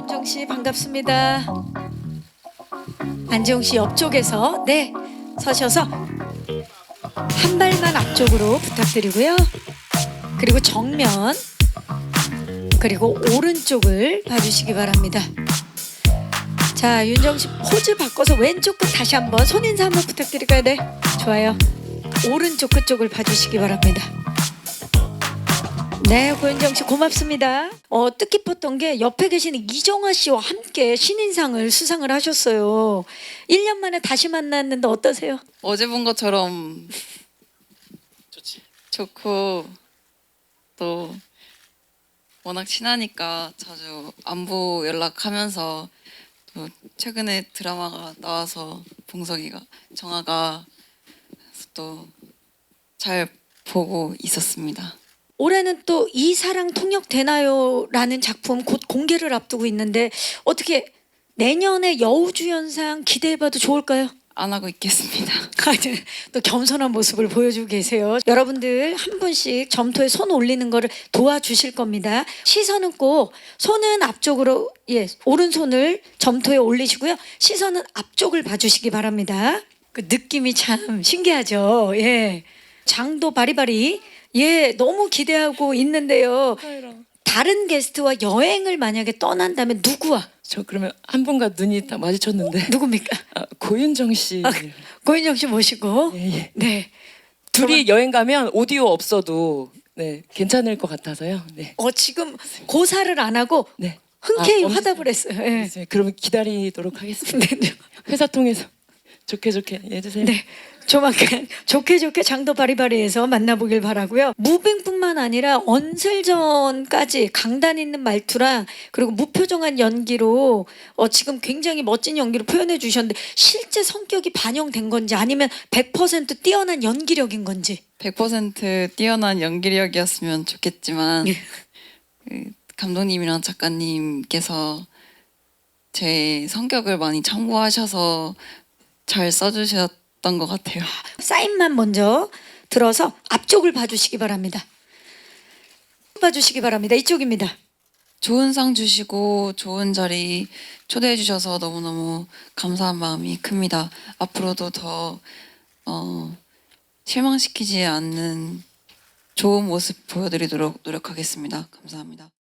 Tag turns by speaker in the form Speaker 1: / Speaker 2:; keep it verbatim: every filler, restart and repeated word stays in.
Speaker 1: 윤정 씨 반갑습니다. 안재홍 씨 옆쪽에서 네 서셔서 한 발만 앞쪽으로 부탁드리고요. 그리고 정면 그리고 오른쪽을 봐주시기 바랍니다. 자, 윤정 씨 포즈 바꿔서 왼쪽 끝 다시 한번 손인사 한번 부탁드릴까요? 네, 좋아요. 오른쪽 끝쪽을 봐주시기 바랍니다. 네, 고윤정 씨 고맙습니다. 어, 뜻깊었던 게 옆에 계시는 이정아 씨와 함께 신인상을 수상을 하셨어요. 일 년 만에 다시 만났는데 어떠세요?
Speaker 2: 어제 본 것처럼
Speaker 3: 좋지.
Speaker 2: 좋고 또 워낙 친하니까 자주 안부 연락하면서 또 최근에 드라마가 나와서 봉석이가 정아가 또 잘 보고 있었습니다.
Speaker 1: 올해는 또 이 사랑 통역 되나요? 라는 작품 곧 공개를 앞두고 있는데 어떻게 내년에 여우주연상 기대해봐도 좋을까요?
Speaker 2: 안 하고 있겠습니다.
Speaker 1: 또 겸손한 모습을 보여주고 계세요. 여러분들 한 분씩 점토에 손 올리는 거를 도와주실 겁니다. 시선은 꼭 손은 앞쪽으로 예 오른손을 점토에 올리시고요. 시선은 앞쪽을 봐주시기 바랍니다. 그 느낌이 참 신기하죠. 예, 장도 바리바리 예 너무 기대하고 있는데요. 다른 게스트와 여행을 만약에 떠난다면 누구와?
Speaker 3: 저 그러면 한 분과 눈이 딱 마주쳤는데
Speaker 1: 누굽니까?
Speaker 3: 아, 고윤정 씨.
Speaker 1: 아, 고인정 씨 모시고
Speaker 3: 예, 예.
Speaker 1: 네.
Speaker 3: 둘이 여행 가면 오디오 없어도 네 괜찮을 것 같아서요. 네.
Speaker 1: 어 지금 고사를 안 하고
Speaker 3: 네.
Speaker 1: 흔쾌히
Speaker 3: 아,
Speaker 1: 화답을 했어요. 예.
Speaker 3: 이제 그러면 기다리도록 하겠습니다.
Speaker 1: 네,
Speaker 3: 회사 통해서 좋게 좋게 해주세요.
Speaker 1: 네. 조만간 좋게 좋게 장도 바리바리에서 만나보길 바라고요. 무빙뿐만 아니라 언슬전까지 강단 있는 말투랑 그리고 무표정한 연기로 어, 지금 굉장히 멋진 연기로 표현해 주셨는데 실제 성격이 반영된 건지 아니면 백 퍼센트 뛰어난 연기력인 건지.
Speaker 2: 백 퍼센트 뛰어난 연기력이었으면 좋겠지만 그 감독님이랑 작가님께서 제 성격을 많이 참고하셔서 잘 써주셨던 것 같아요.
Speaker 1: 사인만 먼저 들어서 앞쪽을 봐주시기 바랍니다. 봐주시기 바랍니다. 이쪽입니다.
Speaker 2: 좋은 상 주시고 좋은 자리 초대해 주셔서 너무너무 감사한 마음이 큽니다. 앞으로도 더 어, 실망시키지 않는 좋은 모습 보여드리도록 노력하겠습니다. 감사합니다.